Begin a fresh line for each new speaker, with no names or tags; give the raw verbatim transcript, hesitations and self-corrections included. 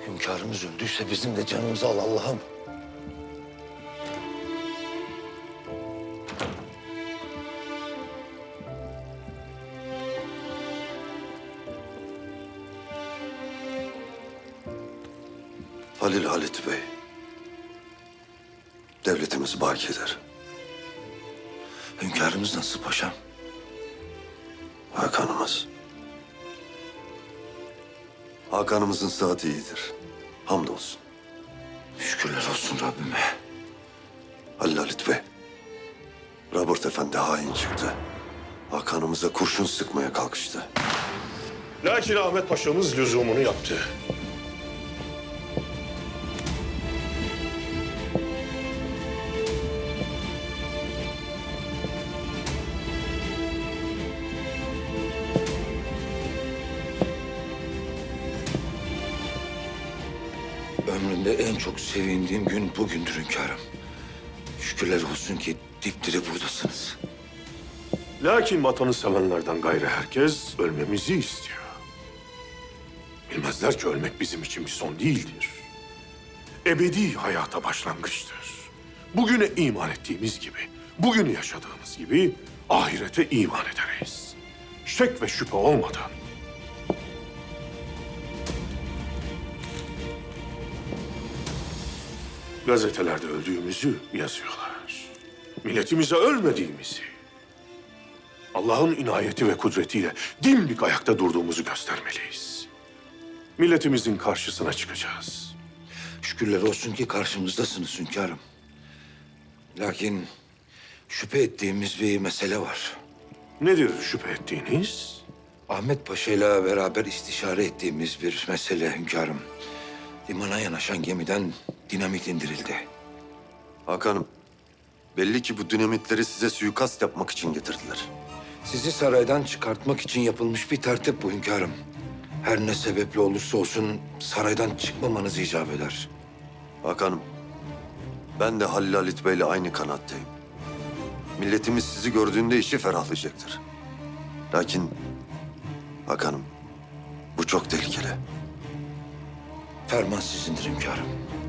Hünkârımız öldüyse bizim de canımızı al Allah'ım.
Halil Halit Bey, devletimiz bakidir.
Hünkârımız nasıl paşam?
Hakanımız. Hakanımızın sıhhati iyidir. Hamdolsun.
Şükürler olsun Rabbime.
Halil Halit Bey, Robert Efendi hain çıktı. Hakanımıza kurşun sıkmaya kalkıştı.
Lakin Ahmet Paşa'mız lüzumunu yaptı.
Ömrümde en çok sevindiğim gün bugündür hünkârım. Şükürler olsun ki dipdiri buradasınız.
Lakin vatanı sevenlerden gayrı herkes ölmemizi istiyor. Bilmezler ki ölmek bizim için bir son değildir. Ebedi hayata başlangıçtır. Bugüne iman ettiğimiz gibi, bugünü yaşadığımız gibi ahirete iman ederiz. Şek ve şüphe olmadan. Gazetelerde öldüğümüzü yazıyorlar. Milletimize ölmediğimizi, Allah'ın inayeti ve kudretiyle dimdik ayakta durduğumuzu göstermeliyiz. Milletimizin karşısına çıkacağız.
Şükürler olsun ki karşımızdasınız hünkârım. Lakin şüphe ettiğimiz bir mesele var.
Nedir şüphe ettiğiniz?
Ahmet Paşa ile beraber istişare ettiğimiz bir mesele hünkârım. Limana yanaşan gemiden dinamit indirildi.
Hakanım, belli ki bu dinamitleri size suikast yapmak için getirdiler.
Sizi saraydan çıkartmak için yapılmış bir tertip bu hünkârım. Her ne sebeple olursa olsun saraydan çıkmamanız icap eder.
Hakanım, ben de Halil Halit Bey'le aynı kanaatteyim. Milletimiz sizi gördüğünde işi ferahlayacaktır. Lakin Hakanım, bu çok tehlikeli.
Ferman sizindir hünkârım.